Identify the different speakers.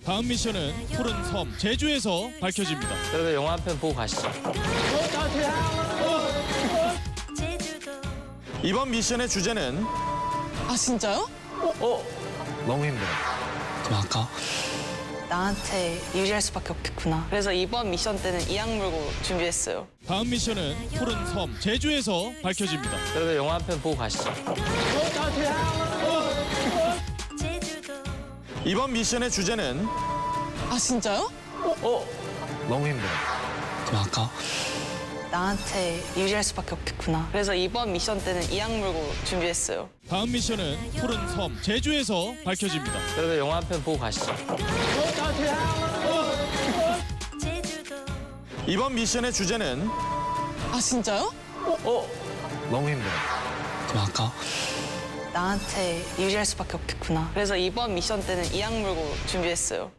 Speaker 1: 다음 미션은 푸른 섬 제주에서 밝혀집니다.
Speaker 2: 그래도 영화 한 편 보고 가시죠.
Speaker 1: 이번 미션의 주제는
Speaker 3: 아 진짜요?
Speaker 2: 너무 힘들어.
Speaker 4: 그럼 아까
Speaker 3: 나한테 유리할 수밖에 없겠구나. 그래서 이번 미션 때는 이악 물고 준비했어요.
Speaker 1: 다음 미션은 푸른 섬 제주에서 밝혀집니다.
Speaker 2: 그래도 영화 한 편 보고 가시죠.
Speaker 1: 이번 미션의 주제는
Speaker 3: 아 진짜요?
Speaker 2: 너무 힘들어.
Speaker 4: 그럼 아까
Speaker 3: 나한테 유리할 수밖에 없겠구나. 그래서 이번 미션 때는 이악 물고 준비했어요.
Speaker 1: 다음 미션은 푸른 섬 제주에서 밝혀집니다.
Speaker 2: 그래도 영화 한 편 보고 가시죠.
Speaker 1: 이번 미션의 주제는
Speaker 3: 아 진짜요?
Speaker 2: 너무 힘들어.
Speaker 4: 그럼 아까
Speaker 3: 나한테 유리할 수밖에 없겠구나. 그래서 이번 미션 때는 이악 물고 준비했어요.